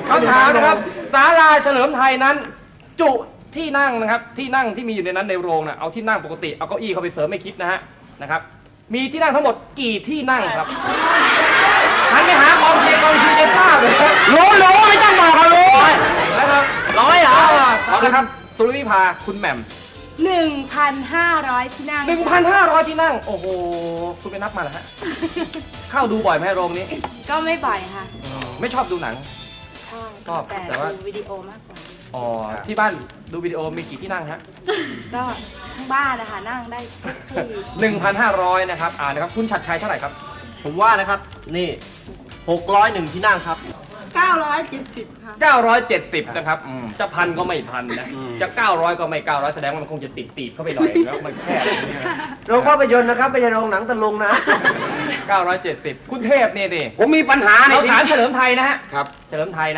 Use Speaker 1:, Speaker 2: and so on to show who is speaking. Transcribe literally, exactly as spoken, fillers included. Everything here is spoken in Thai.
Speaker 1: คำถามนะครับศาลาเฉลิมไทยนั้นจุที่นั่งนะครับที่นั่งที่มีอยู่ในนั้นในโรงนะเอาที่นั่งปกติเอาเก้าอี้เข้าไปเสริมไม่คิดนะฮะนะครับมีที่นั่งทั้งหมดกี่ที่นั่งครับหันไปหากองเชียร์กองเชียร์จะทราบเลยรู้รู้ไม่ต้องบอกกันรู้นะครับร้อยเหรอนะครับสุริวิภาคุณแหม่ม
Speaker 2: หนึ่งพันห้าร้อยที่นั่ง
Speaker 1: หนึ่งพันห้าร้อยที่นั่งโอ้โหคุณไปนับมาเหรอฮะเข้าดูบ่อยไหมโรงนี้
Speaker 2: ก็ไม่บ่อยค่ะ
Speaker 1: ไม่ชอบดูหนัง
Speaker 2: ชอบ
Speaker 1: ชอบ
Speaker 2: แต่
Speaker 1: แต่ว่า
Speaker 2: ดูวิดีโอมากกว่า
Speaker 1: อ๋อที่บ้านดูวิดีโอมีกี่ที่นั่งฮะ
Speaker 2: ก็ทั้งบ้านนะคะนั่งได้ทุกที่
Speaker 1: หนึ่งพันห้าร้อยนะครับอ่านะครับคุณชัดชัยเท่าไหร่ครับ
Speaker 3: ผมว่านะครับนี่หกร้อยหนึ่งที่นั่งครับ
Speaker 2: เก้าร้อยเจ็ดสิบค่ะ
Speaker 1: เก้าร้อยเจ็ดสิบนะครับอืมจะพันก็ไม่พันนะ
Speaker 3: อืม
Speaker 1: จะเก้าร้อยก็ไม่เก้าร้อยแสดงว่ามันคงจะติดตีบเข้าไปหน่อยแล้วมันแคบอย่างนี้นะ
Speaker 3: โรงภาพยนตร์นะครับไม่ใช่โรงหนังตะลุงนะ
Speaker 1: เก้าร้อยเจ็ดสิบคุณเทพเนี่ยดิ
Speaker 3: ผมมีปัญหาใน
Speaker 1: เรา
Speaker 3: ที่
Speaker 1: ถามเฉลิมไทยนะฮะ
Speaker 3: ครับ
Speaker 1: เฉลิมไทย